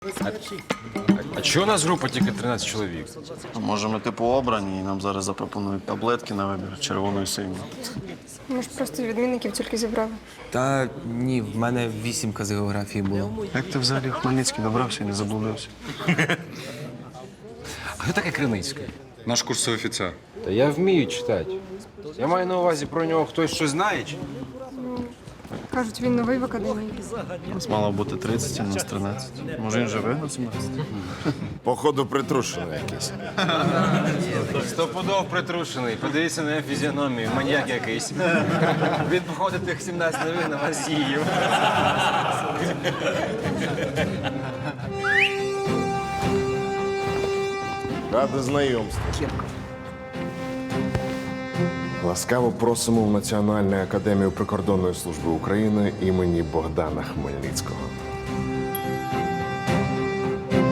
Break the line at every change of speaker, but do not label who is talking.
А чого у нас група тільки 13 чоловік?
А може ми типу обрані і нам зараз запропонують таблетки на вибір червоної синьої.
Може, просто відмінників тільки зібрали.
Та ні, в мене 8 з географії було.
Як ти взагалі в Хмельницький добрався і не заблудився?
А хто таке Криницький?
Наш курсовий офіцер.
Та я вмію читати. Я маю на увазі про нього хтось щось знає? Чи?
Кажуть, він новий в академії.
Нас мало бути 30, а нас 13. Може він живе на 17?
Походу, притрушений якийсь.
Стопудов притрушений. Подивіться на його фізіономію, маньяк якийсь. Він походить тих 17 новин на вас їв.
Ради знайомству. Ласкаво просимо в Національну академію прикордонної служби України імені Богдана Хмельницького.